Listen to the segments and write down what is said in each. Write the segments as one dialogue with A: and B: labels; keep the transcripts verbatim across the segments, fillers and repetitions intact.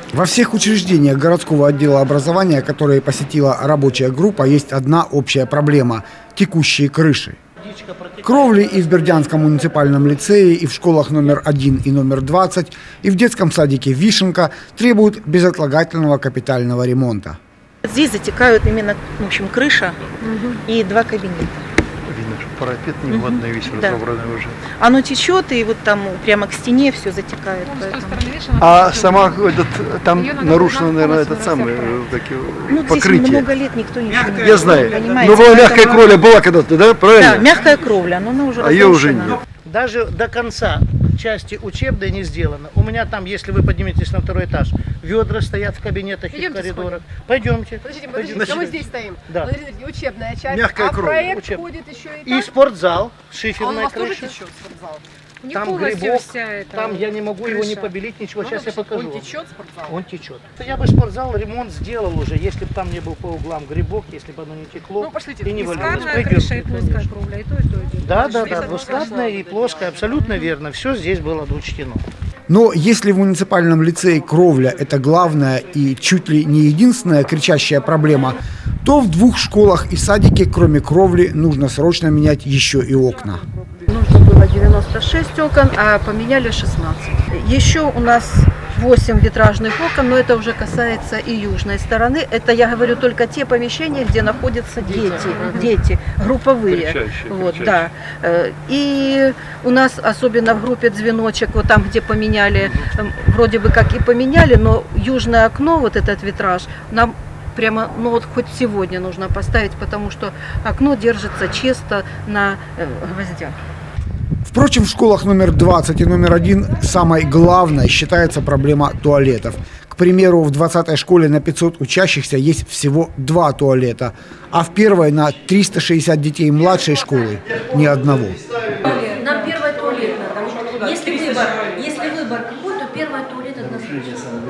A: Во всех учреждениях городского отдела образования, которые посетила рабочая группа, есть одна общая проблема – текущие крыши. Кровли и в Бердянском муниципальном лицее, и в школах номер один и номер двадцать, и в детском садике «Вишенка» требуют безотлагательного капитального ремонта.
B: Здесь затекают именно, в общем, крыша угу. и два кабинета.
C: Видно, что парапет негодный, весь
B: да.
C: разобранный уже.
B: Оно течет, и вот там прямо к стене все затекает.
C: А сама этот, там нарушено, наверное, этот самый
B: ну,
C: покрытие.
B: Здесь много лет никто ничего не
C: Я знаю.
B: Понимаете?
C: Но была мягкая
B: Поэтому...
C: кровля, была когда-то, да? Правильно?
B: Да, мягкая кровля, но она уже
C: а ее уже нет.
D: Даже до конца части учебной не сделано. У меня там, если вы подниметесь на второй этаж, ведра стоят в кабинетах и в коридорах. Сходим. Пойдемте.
E: Подождите, подождите, Значит, мы здесь стоим.
D: Да.
E: Подождите, учебная часть,
C: мягкая
E: а
C: кровь.
E: проект
D: Учеб...
E: входит еще и так?
D: И спортзал, шиферная
E: а у нас
D: крыша.
E: тоже течет спортзал?
F: Не
D: там грибок,
F: вся эта
D: там я не могу
F: крыша.
D: его не побелить, ничего. Ну, сейчас я покажу.
E: Он течет спортзал?
D: Он течет. Я бы спортзал ремонт сделал уже, если бы там не был по углам грибок, если бы оно не текло.
E: Ну, пошлите,
D: и не валилось.
F: Крыша и плоская кровля, и то, и то, и то.
D: Да, да, да, двускатная и плоская, абсолютно верно. Все здесь было учтено.
A: Но если в муниципальном лицее кровля – это главная и чуть ли не единственная кричащая проблема, то в двух школах и садике, кроме кровли, нужно срочно менять еще и окна.
G: Нужно было девяносто шесть окон, а поменяли шестнадцать. Еще у нас восемь витражных окон, но это уже касается и южной стороны. Это я говорю только те помещения, где находятся дети, дети групповые.
C: Кричащие,
G: вот,
C: кричащие.
G: да. И у нас, особенно в группе «Звеночек», вот там, где поменяли, вроде бы как и поменяли, но южное окно, вот этот витраж, нам прямо, ну вот хоть сегодня нужно поставить, потому что окно держится чисто на э, гвоздях.
A: Впрочем, в школах номер двадцать и номер один самой главной считается проблема туалетов. К примеру, в двадцатой школе на пятьсот учащихся есть всего два туалета, а в первой на триста шестьдесят детей младшей школы ни одного.
H: Нам первый туалет надо. Если выбор, если выбор какой, то первый туалет однозначно.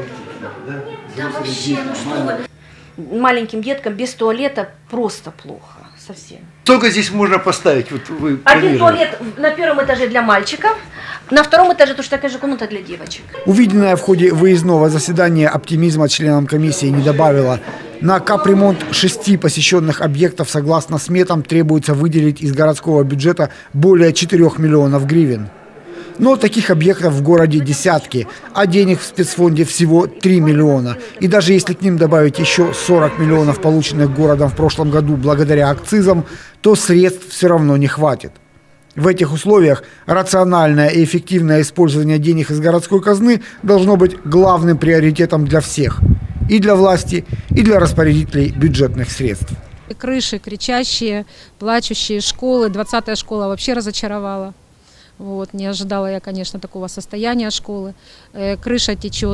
H: Да вообще, ну что вы. Маленьким деткам без туалета просто плохо. Совсем.
C: Сколько здесь можно поставить? Вот вы
H: Один туалет на первом этаже для мальчиков, на втором этаже точно такая же комната для девочек.
A: Увиденное в ходе выездного заседания оптимизма членам комиссии не добавило. На капремонт шести посещенных объектов, согласно сметам, требуется выделить из городского бюджета более четырёх миллионов гривен. Но таких объектов в городе десятки, а денег в спецфонде всего три миллиона. И даже если к ним добавить еще сорок миллионов, полученных городом в прошлом году благодаря акцизам, то средств все равно не хватит. В этих условиях рациональное и эффективное использование денег из городской казны должно быть главным приоритетом для всех. И для власти, и для распорядителей бюджетных средств.
F: Крыши кричащие, плачущие школы. двадцатая школа вообще разочаровала. Вот, не ожидала я, конечно, такого состояния школы. Э, крыша течет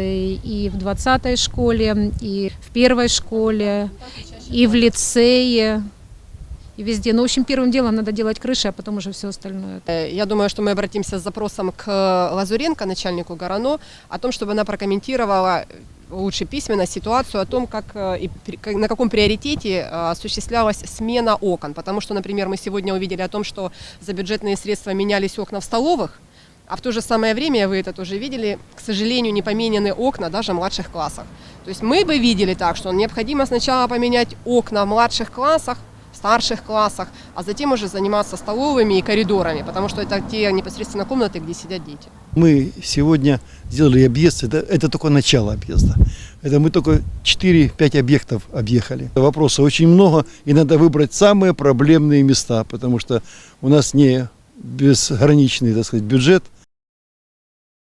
F: и в двадцатой школе, и в первой школе, и в лицее, и везде. Но, в общем, первым делом надо делать крыши, а потом уже все остальное.
E: Я думаю, что мы обратимся с запросом к Лазуренко, начальнику ГОРАНО, о том, чтобы она прокомментировала лучше письменно ситуацию о том, как и на каком приоритете осуществлялась смена окон. Потому что, например, мы сегодня увидели о том, что за бюджетные средства менялись окна в столовых, а в то же самое время, вы это тоже видели, к сожалению, не поменены окна даже в младших классах. То есть мы бы видели так, что необходимо сначала поменять окна в младших классах, старших классах, а затем уже заниматься столовыми и коридорами, потому что это те непосредственно комнаты, где сидят дети.
C: Мы сегодня сделали объезд, это, это только начало объезда. Это мы только четыре-пять объектов объехали. Вопросов очень много, и надо выбрать самые проблемные места, потому что у нас не безграничный, так сказать, бюджет.